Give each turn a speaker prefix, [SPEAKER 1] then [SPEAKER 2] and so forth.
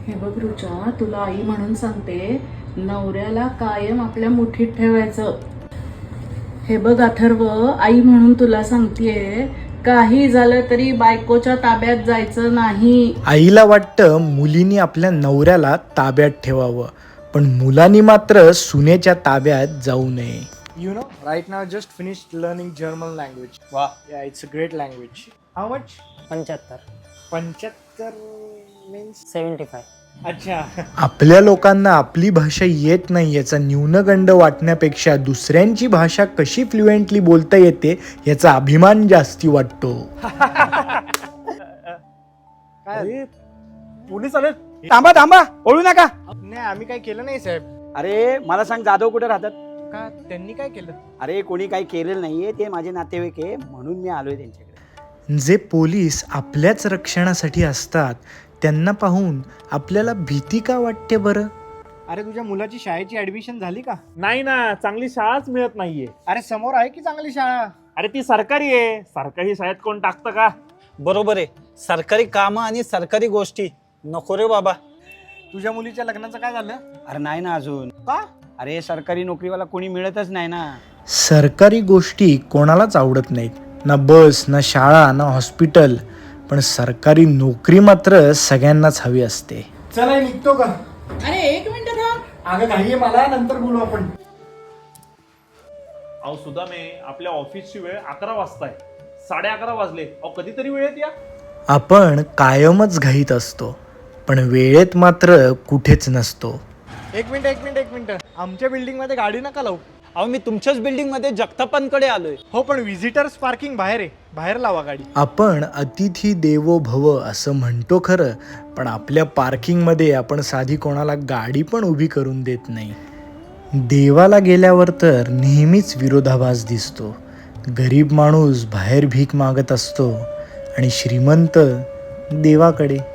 [SPEAKER 1] हे बघ रुचा, तुला आई म्हणून सांगते, नवऱ्याला कायम आपल्या मुठीत ठेवायचं. हे बघ अथर्व, आई म्हणून तुला सांगतेय, काही झालं तरी बायकोच्या ताब्यात जायचं नाही.
[SPEAKER 2] आईला वाटतं मुलींनी आपल्या नवऱ्याला ताब्यात ठेवावं, पण मुलांनी मात्र सुनेच्या ताब्यात जाऊ नये.
[SPEAKER 3] You know, right now I just finished learning German language. Wow. Yeah, it's a great language. How much?
[SPEAKER 4] 75
[SPEAKER 3] 75 means?
[SPEAKER 4] 75.
[SPEAKER 3] अच्छा.
[SPEAKER 2] आपल्या लोकांना आपली भाषा येत नाही याचा न्यूनगंड वाटण्यापेक्षा दुसऱ्यांची भाषा कशी फ्लुएंटली बोलता येते याचा अभिमान जास्ती वाटतो.
[SPEAKER 3] काय? पोलीस आले?
[SPEAKER 5] थांबा ओळू नका.
[SPEAKER 3] नाही, आम्ही काय केलं नाही साहेब.
[SPEAKER 5] अरे मला सांग, जाधव कुठे राहतात?
[SPEAKER 3] का त्यांनी काय केलं?
[SPEAKER 5] अरे कोणी काही केलेलं नाहीये, ते माझे नातेवाईक आहे म्हणून मी आलोय त्यांच्याकडे.
[SPEAKER 2] जे पोलीस आपल्याच रक्षणासाठी असतात त्यांना पाहून आपल्याला भीती का वाटते बरं?
[SPEAKER 3] अरे तुझ्या मुलाची शाळेची ऍडमिशन झाली का?
[SPEAKER 6] नाही ना, चांगली शाळाच मिळत नाहीये.
[SPEAKER 3] अरे समोर आहे की चांगली शाळा?
[SPEAKER 6] अरे ती सरकारी आहे, सरकारी शाळेत कोण टाकतं का?
[SPEAKER 7] बरोबर आहे. सरकारी कामं आणि सरकारी गोष्टी नको रे बाबा.
[SPEAKER 3] तुझ्या मुलीच्या लग्नाचं काय झालं?
[SPEAKER 5] अरे नाही ना अजून.
[SPEAKER 3] का?
[SPEAKER 5] अरे सरकारी नोकरीवाला कोणी मिळतच नाही ना.
[SPEAKER 2] सरकारी गोष्टी कोणालाच आवडत नाहीत, ना बस, ना शाळा, ना हॉस्पिटल, पण सरकारी नोकरी मात्र सगळ्यांनाच हवी असते.
[SPEAKER 3] चला निघतो का?
[SPEAKER 1] अरे एक मिनिट थांब.
[SPEAKER 3] अगं घाई आहे मला, नंतर बोलू आपण.
[SPEAKER 6] अहो सुदामे, आपल्या ऑफिसची वेळ 11 वाजता आहे, 11:30 वाजले. अहो कधीतरी वेळेत या.
[SPEAKER 2] आपण कायमच घाईत असतो, पण वेळेत मात्र कुठेच नसतो.
[SPEAKER 3] एक मिनिट. आमच्या बिल्डिंग मध्ये गाडी नका लावू.
[SPEAKER 7] अहो मी तुमच्याच बिल्डिंग मध्ये जगतापांकडे आलोय.
[SPEAKER 3] हो, पण व्हिजिटर्स पार्किंग बाहेर आहे, बाहेर लावा गाडी.
[SPEAKER 2] आपण अतिथी देवो भव असं म्हणतो खरं, पण आपल्या पार्किंगमध्ये आपण साधी कोणाला गाडी पण उभी करून देत नाही. देवाला गेल्यावर तर नेहमीच विरोधाभास दिसतो. गरीब माणूस बाहेर भीक मागत असतो आणि श्रीमंत देवाकडे.